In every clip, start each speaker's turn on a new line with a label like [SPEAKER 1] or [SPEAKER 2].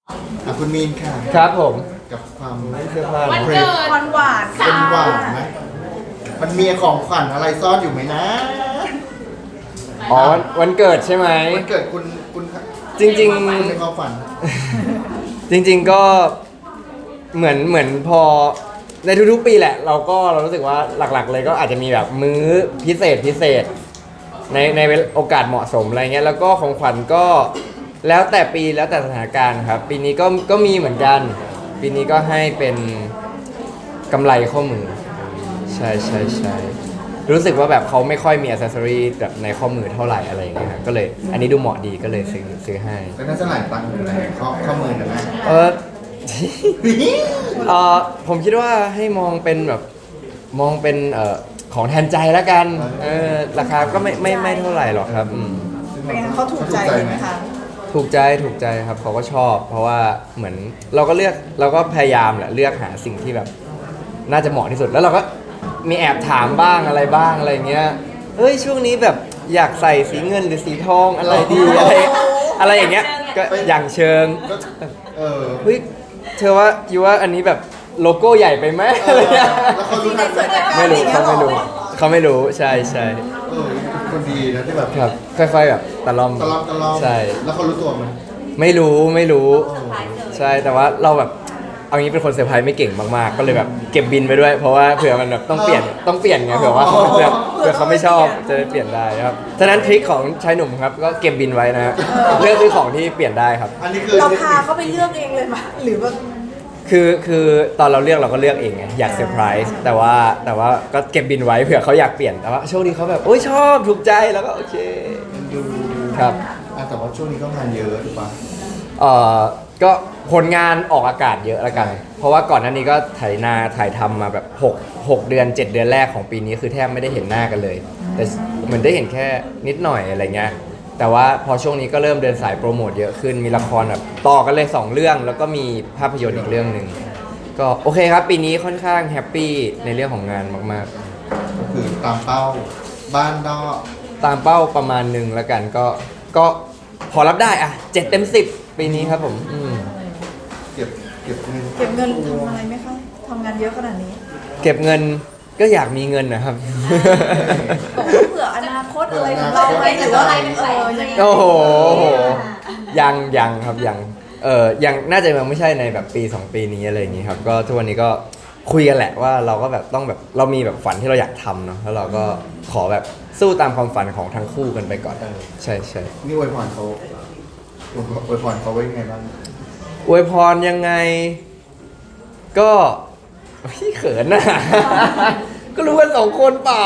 [SPEAKER 1] คุณมีนค่ะ
[SPEAKER 2] ครับผม
[SPEAKER 1] กับความ
[SPEAKER 2] เสื้อผ้า
[SPEAKER 3] วัน
[SPEAKER 2] นะ
[SPEAKER 3] เกิด
[SPEAKER 4] หวานหวาน
[SPEAKER 1] เป็นหวานไหมมันมีของขวัญอะไรซ่อนอยู่ไหมนะ
[SPEAKER 2] อ๋อวันเกิดใช่ไหม
[SPEAKER 1] มันเกิดคุณ
[SPEAKER 2] จริง
[SPEAKER 1] คุณในความฝัน
[SPEAKER 2] ๆ จริง ๆก็เหมือนพอในทุกๆปีแหละ เรารู้สึกว่าหลักๆ เลยก็อาจจะมีแบบมื้อพิเศษในโอกาสเหมาะสมอะไรเงี้ยแล้วก็ของขวัญก็แล้วแต่ปีแล้วแต่สถานการณ์ครับ ปีนี้ก็มีเหมือนกัน ปีนี้ก็ให้เป็นกำไรข้อมือ ใช่ใช่ใช่รู้สึกว่าแบบเขาไม่ค่อยมีอ c เซสซอรีแบบในข้อมือเท่าไหร่อะไรอย่างเงี้ยครับก็เลยอันนี้ดูเหมาะดีก็เลยซื้อให้
[SPEAKER 1] แล้วน่าจะหลายตังค์อยู่ในข้อมือนะแม่
[SPEAKER 2] เออ เออผมคิดว่าให้มองเป็นแบบมองเป็นของแทนใจแล้วกันราคาก็ไม่เท่าไหร่หรอกครับ
[SPEAKER 4] เป็นไงเขาถูกใจไหมคะ
[SPEAKER 2] ถูกใจครับเขาก็ชอบ เพราะว่าเหมือนเราก็พยายามแหละเลือกหาสิ่งที่แบบน่าจะเหมาะที่สุดแล้วเราก็มีแอบถามบ้างอะไรบ้างอะไรเงี้ยเฮ้ยช่วงนี้แบบอยากใส่สีเงินหรือสีทองอะไรดีอะไรอย่างเงี้ยก็อย่างเชิง
[SPEAKER 1] ก็
[SPEAKER 2] เฮ้ยเธอว่าอยู่ว่าอันนี้แบบโลโก้ใหญ่ไปไหมอะไรเงี้ย
[SPEAKER 1] แล้วเขารู้ทันไหม
[SPEAKER 2] ไม่รู้เขาไม่รู้ใช่
[SPEAKER 1] คนดีนะที่แบบ
[SPEAKER 2] ครับค่อยๆแบบตะล่อม
[SPEAKER 1] ตะลอม
[SPEAKER 2] ใช่
[SPEAKER 1] แล้วเขารู้ตัวไหม
[SPEAKER 2] ไม่รู้ใช่แต่ว่าเราแบบเอางี้เป็นคนเซอร์ไพรส์ไม่เก่งมากๆก็เลยแบบเก็บบินไปด้วยเพราะว่าเผื่อมันแบบต้องเปลี่ยนไงเผื่อว่าเผื่อเขาไม่ชอบจะได้เปลี่ยนได้ครับฉะนั้นทริคของชายหนุ่มครับก็เก็บบินไว้นะฮะเลือกซื้อของที่เปลี่ยนได้ครับ
[SPEAKER 1] อันนี้คือ
[SPEAKER 4] เราพาเขาไปเลือกเองเลยปะหรือว่า
[SPEAKER 2] คือตอนเราเลือกเราก็เลือกเองไงอยากเซอร์ไพรส์แต่ว่าก็เก็บบินไว้เผื่อเขาอยากเปลี่ยนแต่ว่าโชคดีเขาแบบโอ้ยชอบถูกใจแล้วก็โอเคครับ
[SPEAKER 1] แต่ว่าช่วงนี้ก็งานเยอะถูกปะ
[SPEAKER 2] ก็ผลงานออกอากาศเยอะแล้วกัน เพราะว่าก่อนหน้านี้ก็ถ่ายทำมาแบบ6เดือน 7 เดือนแรกของปีนี้คือแทบไม่ได้เห็นหน้ากันเลย แต่เหมือนได้เห็นแค่นิดหน่อยอะไรเงี้ยแต่ว่าพอช่วงนี้ก็เริ่มเดินสายโปรโมทเยอะขึ้นมีละครแบบต่อกันเลย 2 เรื่องแล้วก็มีภาพยนตร์อีกเรื่องหนึ่งก็โอเคครับปีนี้ค่อนข้างแฮปปี้ในเรื่องของงานมาก
[SPEAKER 1] ก็คือตามเป้าบ้านนอก
[SPEAKER 2] ๆ ตามเป้าประมาณหนึ่งแล้วกันก็พอรับได้อะ7 เต็ม 10 ปีนี้ครับผม
[SPEAKER 1] เก็บเงิน
[SPEAKER 4] เก็บเงินทำอะไรไหมคะทำงานเยอะขนาดนี้
[SPEAKER 2] เก็บเงินก็อยากมีเงินนะครับ
[SPEAKER 4] บอกว่าเผื่ออนาคตอะไรของเราไหมหรือว่าอะไรยังไง
[SPEAKER 2] โอ้โหยังครับยังน่าจะยังไม่ใช่ในแบบปี 2 ปีนี้อะไรอย่างนี้ครับก็ทุกวันนี้ก็คุยกันแหละว่าเราก็แบบต้องแบบเรามีแบบฝันที่เราอยากทำเนาะแล้วเราก็ขอแบบสู้ตามความฝันของทั้งคู่กันไปก่อนใช่
[SPEAKER 1] นี่อวยพรเขาอวยพรเขาไว้ยังไงบ้าง
[SPEAKER 2] อวยพรยังไงก็พี่เขินน่ะ ก็รู้กัน2 คนเปล่า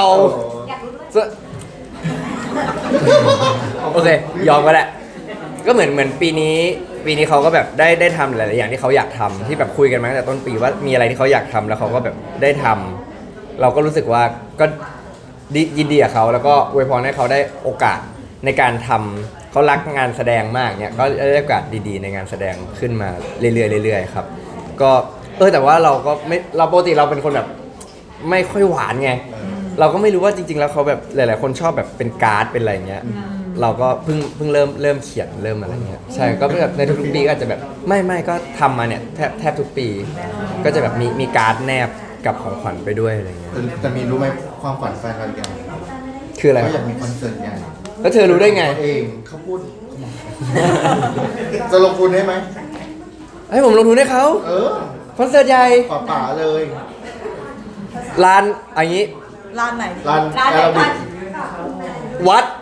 [SPEAKER 2] โอเคยอมก็แหละก็เหมือนปีนี้เขาก็แบบได้ทำหลายๆอย่างที่เขาอยากทำที่แบบคุยกันมาตั้งแต่ต้นปีว่ามีอะไรที่เขาอยากทำแล้วเขาก็แบบได้ทำเราก็รู้สึกว่าก็ยินดีกับเขาแล้วก็อวยพรให้เขาได้โอกาสในการทำเขารักงานแสดงมากเนี่ยก็ได้โอกาสดีๆในงานแสดงขึ้นมาเรื่อยๆครับก็แต่ว่าเราก็ไม่เราปกติเราเป็นคนแบบไม่ค่อยหวานไงเราก็ไม่รู้ว่าจริงๆแล้วเขาแบบหลายๆคนชอบแบบเป็นการ์ดเป็นอะไรเงี้ยเราก็เพิ่งเริ่มเขียนเริ่มอะไรเงี้ยใช่ก็แบบในทุกๆปีก็อาจจะแบบไม่ก็ทำมาเนี่ยแทบทุกปี ก็จะแบบมีการ์ดแนบกับของขวัญไปด้วยอะไรเงี้ย
[SPEAKER 1] แต่มีรู้ไหมความฝันแฟนเราอย่าง
[SPEAKER 2] คืออะไร
[SPEAKER 1] เขาอยากมีคอนเสิร์ตใหญ่
[SPEAKER 2] แล้วเธอรู้ได้ไง
[SPEAKER 1] เองเขาพูด จะลงทุนได้ไหม
[SPEAKER 2] ให้ผมลงทุนให้เขา คอนเสิร์ตใหญ่
[SPEAKER 1] ป่าเลย
[SPEAKER 2] ร้านอย่างนี้
[SPEAKER 4] ร้านไหน
[SPEAKER 1] ร้านแอโรบิก
[SPEAKER 2] วัด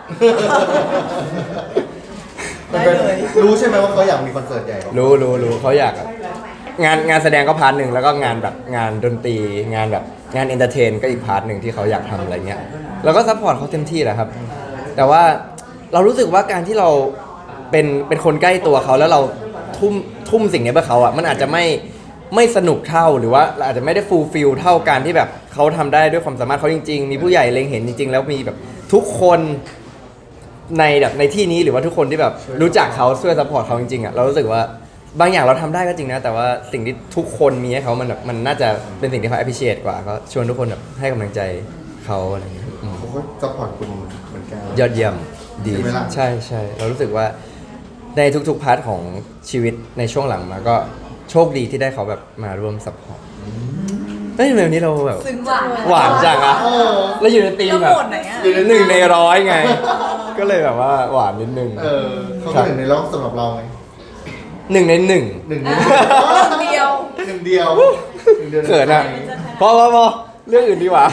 [SPEAKER 1] รู้ใช่ไหมว่าเขาอยากมีคอนเสิร์ตใหญ่
[SPEAKER 2] รู้เขาอยากอะงานแสดงก็พาร์ทหนึ่งแล้วก็งานแบบงานดนตรีงานแบบงานเอนเตอร์เทนก็อีกพาร์ทหนึ่งที่เขาอยากทำอะไรเงี้ยเราก็ซัพพอร์ตเขาเต็มที่แหละครับ แต่ว่าเรารู้สึกว่าการที่เราเป็นคนใกล้ตัวเขาแล้วเราทุ่มสิ่งนี้เพื่อเขาอ่ะมันอาจจะไม่สนุกเท่าหรือว่าเราอาจจะไม่ได้ฟูลฟิลเท่าการที่แบบเขาทำได้ด้วยความสามารถเขาจริงๆมีผู้ใหญ่เล็งเห็นจริงๆแล้วมีแบบทุกคนในที่นี้หรือว่าทุกคนที่แบบรู้จักเขาช่วยซัพพอร์ตเขาจริงๆอ่ะเรารู้สึกว่าบางอย่างเราทำได้ก็จริงนะแต่ว่าสิ่งที่ทุกคนมีให้เขามันน่าจะเป็นสิ่งที่เขา appreciate กว่าก็ชวนทุกคนแบบให้กำลังใจเขาอะไรอย่างเงี้ย
[SPEAKER 1] เขาก็ซัพพอร์ตคุณเหมือนกัน
[SPEAKER 2] ยอดเยี่ยมดี
[SPEAKER 1] ใช่ไหมล่ะ
[SPEAKER 2] ใช่เรารู้สึกว่าในทุกๆพาร์ทของชีวิตในช่วงหลังมาก็โชคดีที่ได้เขาแบบมาร่วมซัพพอร์ตเฮ้ยแบบนี้เราแบบ
[SPEAKER 4] ซึ้งจังเลย
[SPEAKER 2] หวานจังอะ
[SPEAKER 1] เออ
[SPEAKER 2] แล้วอยู่ในธีม
[SPEAKER 4] แล้ว
[SPEAKER 2] แบบ
[SPEAKER 4] โหมดไหนอะ
[SPEAKER 2] อยู่ใน1 ใน 100ไง ก็เลยแบบว่าหวานนิดนึง
[SPEAKER 1] เออเขาเป็นหนึ่งในร้องสำหรับเราไหม
[SPEAKER 2] 1 ใน 1
[SPEAKER 1] หนึ่งใน
[SPEAKER 4] เดียว
[SPEAKER 1] หนึ่งเดียวหนึ่งเดียว
[SPEAKER 2] เขินอะพอเรื่องอื่นดีกว่า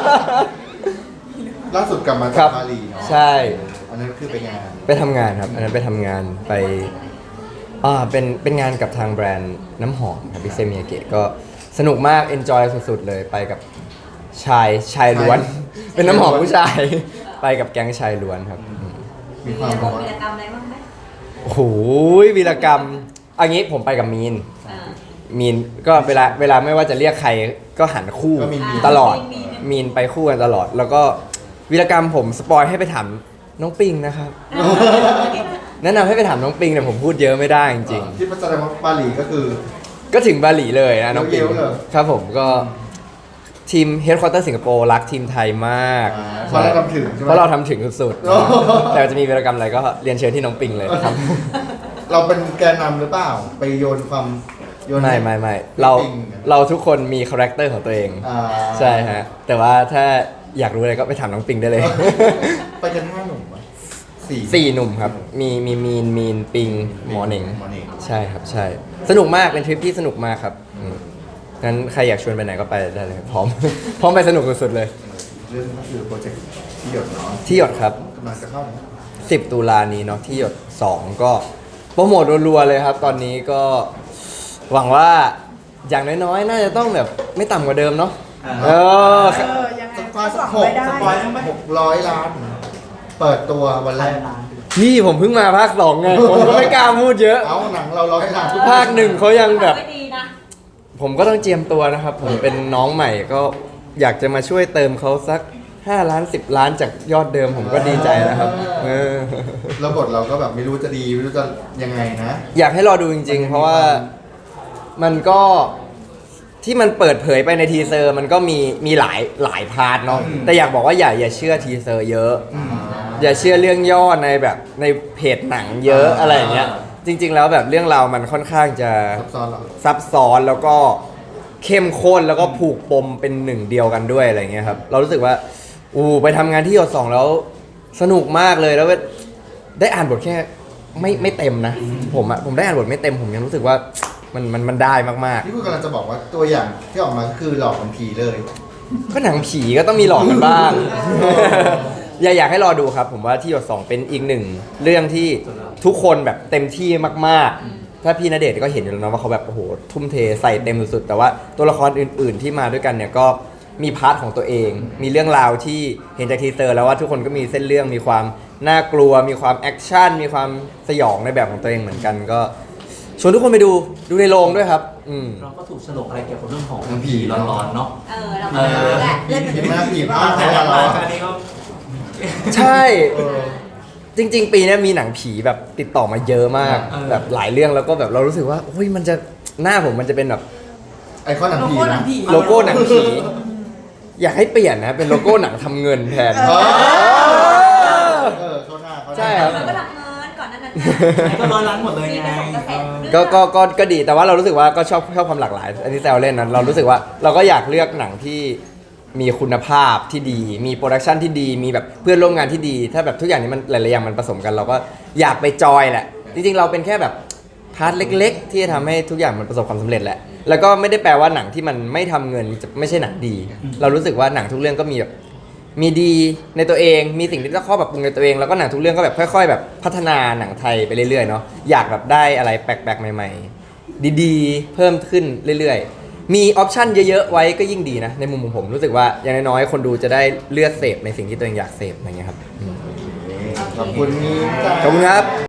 [SPEAKER 1] ล่าสุดกลับมา
[SPEAKER 2] ครั
[SPEAKER 1] จาก
[SPEAKER 2] บ
[SPEAKER 1] บาหลีเนาะ
[SPEAKER 2] ใช่
[SPEAKER 1] อันนั้นคือไปงาน
[SPEAKER 2] ไปทำงานครับ อันนั้นไปทำงานไปเป็นงานกับทางแบรนด์น้ำหอมครับพิเซมิยาเกะก็สนุกมาก enjoy สุดๆเลยไปกับชายล้วน เป็นน้ำหอมผู้ชาย ไปกับแก๊งชายล้วนครับ
[SPEAKER 1] มีความแบบว่า
[SPEAKER 3] กิจกรรมอะไรบ้างไหม
[SPEAKER 2] โอ้โหวีรกรรมอันนี้ผมไปกับมีน
[SPEAKER 3] อ่า
[SPEAKER 2] มีนก็เวลาไม่ว่าจะเรียกใครก็หันคู่
[SPEAKER 1] ก็มี
[SPEAKER 2] ตลอด
[SPEAKER 3] มี
[SPEAKER 2] มีนไปคู่กันตลอด แล้วก็วีรกรรมผมสปอยให้ไปถามน้องปิงนะครับ แนะนำให้ไปถามน้องปิงแต่ผมพูดเยอะไม่ได้จริง
[SPEAKER 1] ที่แสดงว่าบาหลีก็คือ
[SPEAKER 2] ๆ ก็ถึงบาหลีเลยนะน้องปิง
[SPEAKER 1] เยอะๆเลย
[SPEAKER 2] ครับผมก็ทีมเฮดค q อเตอร์สิงคโปร์รักทีมไทยมาก
[SPEAKER 1] เพราะเราทำถึงใช่ไหม
[SPEAKER 2] เพราะเราทำถึงสุด
[SPEAKER 1] โอ้
[SPEAKER 2] ๆ แต่จะมีวีรกรรมอะไรก็เรียนเชิญที่น้องปิงเลยครับ
[SPEAKER 1] เราเป็นแกนนำหรือเปล่า ไปโยนความโยน
[SPEAKER 2] ไม่เราทุกคนมีคาแรคเตอร์ของตัวเอง
[SPEAKER 1] อ่า
[SPEAKER 2] ใช่ฮะ แต่ว่าถ้าอยากรู้อะไรก็ไปถามน้องปิงได้เลย
[SPEAKER 1] ไปกัน5 หนุ่มวะสี่
[SPEAKER 2] 4 หนุ่มครับ มีมีนปิงหมอเหน่ง
[SPEAKER 1] หมอเหน่ง
[SPEAKER 2] ใช่ครับใช่ สนุกมากเป็นทริปที่สนุกมากครับงั้นใครอยากชวนไปไหนก็ไปได้เลยพร้อม พร้อมไปสนุกสุดๆเลย
[SPEAKER 1] เรื่องก็คือโปรเจกต์ที่หยดเนาะ
[SPEAKER 2] ที่หยดครับ
[SPEAKER 1] กำลังจะเข้าเนอะ
[SPEAKER 2] 10 ตุลานี้เนาะที่หยด 2 ก็โปรโมทรัวๆเลยครับ ตอนนี้ก็หวังว่าอย่างน้อยๆ น่าจะต้องแบบไม่ต่ำกว่าเดิมเนาะเออ
[SPEAKER 4] ยังไง
[SPEAKER 1] สปอยสัก
[SPEAKER 4] หวัง
[SPEAKER 1] 6
[SPEAKER 4] ไว้ได้
[SPEAKER 1] สปอย600 ล้าน เปิดตัววันแรก
[SPEAKER 2] พี่ผมเพิ่งมาภาค 2 ไง ผมก็ไม่กล้าพูดเยอะ
[SPEAKER 1] เอาหนังเรา100 ล้านทุก
[SPEAKER 2] ภาค 1เขายังแบบ
[SPEAKER 3] ไม่ดีนะ
[SPEAKER 2] ผมก็ต้องเจียมตัวนะครับ ผมเป็นน้องใหม่ก็อยากจะมาช่วยเติมเขาสัก 5 ล้าน 10 ล้านจากยอดเดิมผมก็ดีใจนะครับเออ
[SPEAKER 1] แล้วบทเราก็แบบไม่รู้จะดีไม่รู้จะยังไงนะ
[SPEAKER 2] อยากให้รอดูจริง ๆ เพราะว่ามันก็ที่มันเปิดเผยไปในทีเซอร์ มันก็มีหลายพาร์ทเนาะ
[SPEAKER 1] อืม
[SPEAKER 2] แต่อยากบอกว่าอย่าเชื่อทีเซอร์เยอะ อย่าเชื่อเรื่องย่อในแบบในเพจหนังเยอะอะไรอย่างเงี้ย จริง ๆ แล้วแบบเรื่องราวมันค่อนข้างจะ
[SPEAKER 1] ซับซ้อนเหรอ
[SPEAKER 2] ซับซ้อนแล้วก็เข้มข้นแล้วก็ผูกปมเป็นหนึ่งเดียวกันด้วยอะไรเงี้ยครับเรารู้สึกว่าไปทำงานที่หยด 2แล้วสนุกมากเลยแล้วก็ได้อ่านบทแค่ไม่เต็มนะผมได้อ่านบทไม่เต็มผมยังรู้สึกว่ามันได้มาก
[SPEAKER 1] นี่คุณกำลังจะบอกว่าตัวอย่างที่ออกมาก็คือหลอกมันผีเลย
[SPEAKER 2] ๆ ก็หนังผีก็ต้องมีหลอกกันบ้าง อยากให้รอดูครับ ผมว่าที่หยด 2เป็นอีกหนึ่งเรื่องที่ทุกคนแบบเต็มที่มากๆ ถ้าพี่ณเดชน์ก็เห็นอยู่แล้วนะว่าเขาแบบโอ้โหทุ่มเทใส่เต็มสุดๆแต่ว่าตัวละครอื่นๆที่มาด้วยกันเนี่ยก็มีพาร์ทของตัวเอง มีเรื่องราวที่เห็นจากทีเซอร์แล้วว่าทุกคนก็มีเส้นเรื่องมีความน่ากลัว มีความแอคชั่นมีความสยองในแบบของตัวเองเหมือนกันก็ชวนทุกคนไปดูในโรงด้วยครับ
[SPEAKER 5] เราก็ถูกฉลกอะไรเกี่ยวกับเรื่องของ
[SPEAKER 1] เรื่องผี
[SPEAKER 5] ร้อนๆเนาะ
[SPEAKER 3] เราก็ไม่รู้แหละ
[SPEAKER 4] เล่น
[SPEAKER 1] ผีมากผีมาก
[SPEAKER 5] แต่
[SPEAKER 1] เขา
[SPEAKER 5] ละ
[SPEAKER 1] อะ
[SPEAKER 5] มา
[SPEAKER 1] เรา
[SPEAKER 5] อันนี้ก็
[SPEAKER 2] ใช่
[SPEAKER 1] เออ
[SPEAKER 2] จริง ๆ ปีนี้มีหนังผีแบบติดต่อมาเยอะมาก แบบหลายเรื่องแล้วก็แบบเรารู้สึกว่าโอ้ยมันจะหน้าผมมันจะเป็นแบบ
[SPEAKER 1] ไอคอนหนัง
[SPEAKER 4] โล
[SPEAKER 1] ผี
[SPEAKER 4] โก้หนั
[SPEAKER 1] นะ
[SPEAKER 4] งผี
[SPEAKER 2] โลโก้หนังผี อยากให้เปลี่ยนนะเป็นโลโก้หนังทำเงินแทน
[SPEAKER 1] เออเข้าหน้าเข้าหน้า
[SPEAKER 2] ใช่ครับ
[SPEAKER 3] เราก็รับเงินก่อนหนั้นนั้น
[SPEAKER 5] ก็ร้อยล้านหมดเลยไง
[SPEAKER 2] ก็ดีแต่ว่าเรารู้สึกว่าก็ชอบความหลากหลาย อันนี้แซวเล่นนะเรารู้สึกว่าเราก็อยากเลือกหนังที่มีคุณภาพที่ดี มีโปรดักชันที่ดี มีแบบเพื่อนร่วมงานที่ดี ถ้าแบบทุกอย่างนี้มันหลายๆอย่างมันผสมกัน เราก็อยากไปจอยแหละ จริงๆเราเป็นแค่แบบพาร์ทเล็ก ๆ ที่จะทำให้ทุกอย่างมันประสบความสำเร็จแหละแล้วก็ไม่ได้แปลว่าหนังที่มันไม่ทำเงินจะไม่ใช่หนังดี เรารู้สึกว่าหนังทุกเรื่องก็มีแบบมีดีในตัวเอง มีสิ่งที่ต้องข้อปรับปรุงในตัวเองแล้วก็หนังทุกเรื่องก็แบบค่อย ๆ แบบพัฒนาหนังไทยไปเรื่อยๆเนาะอยากแบบได้อะไรแปลกๆใหม่ ๆ ดีๆ เพิ่มขึ้นเรื่อยๆมีออปชันเยอะๆไว้ก็ยิ่งดีนะในมุมของผมรู้สึกว่าอย่างน้อยๆคนดูจะได้เลือกเสพในสิ่งที่ตัวเองอยากเสพอะไรเงี้ยครับ
[SPEAKER 1] ขอบคุณนี่จ้า
[SPEAKER 2] ขอบคุณครับ